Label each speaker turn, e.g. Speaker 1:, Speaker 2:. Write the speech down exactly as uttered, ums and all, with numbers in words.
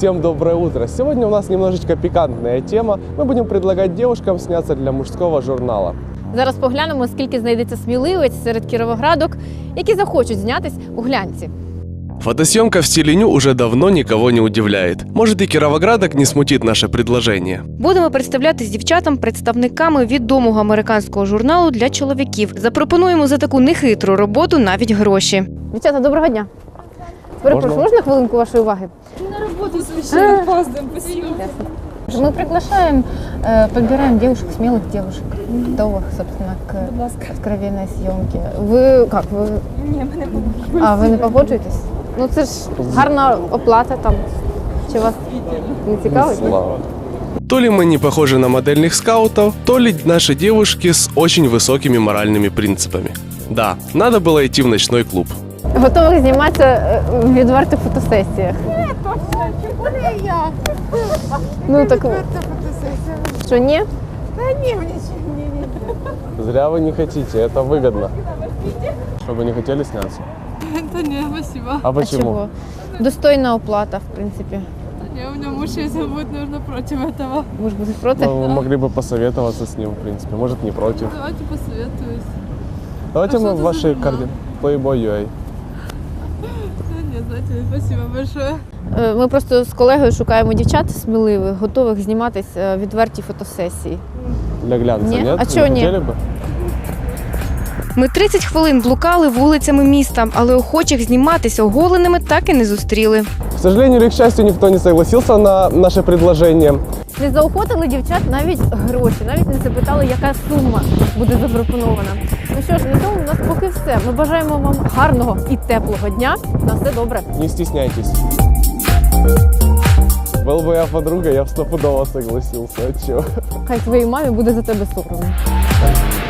Speaker 1: Всем доброе утро! Сегодня у нас немножечко пикантная тема. Мы будем предлагать девушкам сняться для мужского журнала.
Speaker 2: Зараз поглянемо, скільки знайдеться сміливець серед кіровоградок, які захочуть знятись у глянці.
Speaker 3: Фотосъемка в стиле ню уже давно никого не удивляет. Может, и кировоградок не смутит наше предложение.
Speaker 4: Будемо представлятись дівчатам представниками відомого американського журналу для чоловіків. Запропонуємо за таку нехитру роботу навіть гроші.
Speaker 2: Дівчата, доброго дня. Перепрошую, можна хвилинку вашої уваги?
Speaker 5: На работу совершенно опаздываем, спасибо.
Speaker 2: Мы приглашаем, э, подбираем девушек, смелых девушек, готовых, собственно, к откровенной съемке. Ви як? Ви...
Speaker 5: Ні, ми не погоджуємося.
Speaker 2: А, ви не погоджуєтесь? Ну це ж гарна оплата там. Чи вас не цікавить?
Speaker 1: Слава.
Speaker 3: То ли мы не похожи на модельных скаутов, то ли наши девушки с очень высокими моральными принципами. Да, надо было идти в ночной клуб.
Speaker 2: Готових зніматися е, в відвертих фотосесіях.
Speaker 5: Ні, точно, чому не я?
Speaker 2: Ну так,
Speaker 5: Відверта фотосесія.
Speaker 2: що ні?
Speaker 5: Та ні, мені ще ні, ні.
Speaker 1: Зря вы не хотите, это выгодно. Чтобы не хотели сняться.
Speaker 5: Та ні, спасибо.
Speaker 1: А
Speaker 2: А
Speaker 1: почему?
Speaker 2: чого? Достойна оплата, в принципі.
Speaker 5: Ні, у мене муж, если будет нужно, против этого.
Speaker 2: Ви ж будете проти?
Speaker 1: Ну, вы могли бы посоветоваться с ним, в принципе. Может, не против.
Speaker 5: Давайте посоветуюсь.
Speaker 1: Давайте
Speaker 5: А
Speaker 1: мы
Speaker 5: что
Speaker 1: в
Speaker 5: это
Speaker 1: вашей
Speaker 5: за журнал?
Speaker 1: карте Playboy.ua.
Speaker 5: Та ні, знаєте, спасибо большое.
Speaker 2: Е, Ми просто з колегою шукаємо дівчат сміливих, готових зніматись е, відверті фотосесії.
Speaker 1: Для глянца,
Speaker 2: Не?
Speaker 1: нет?
Speaker 2: А
Speaker 1: Не
Speaker 2: чё не?
Speaker 1: хотели бы?
Speaker 4: Ми тридцять хвилин блукали вулицями міста, але охочих зніматися оголеними так і не зустріли.
Speaker 1: К сожалению или к счастью, никто не согласился на наше предложение.
Speaker 2: Не заохотили дівчат навіть гроші, навіть не запитали, яка сума буде запропонована. Ну що ж, на цьому у нас поки все. Ми бажаємо вам гарного і теплого дня. На все добре.
Speaker 1: Не стесняйтесь. Был бы я подруга, я бы стопудово согласился. А чё?
Speaker 2: Хай твоїй мамі буде за тебе соромно.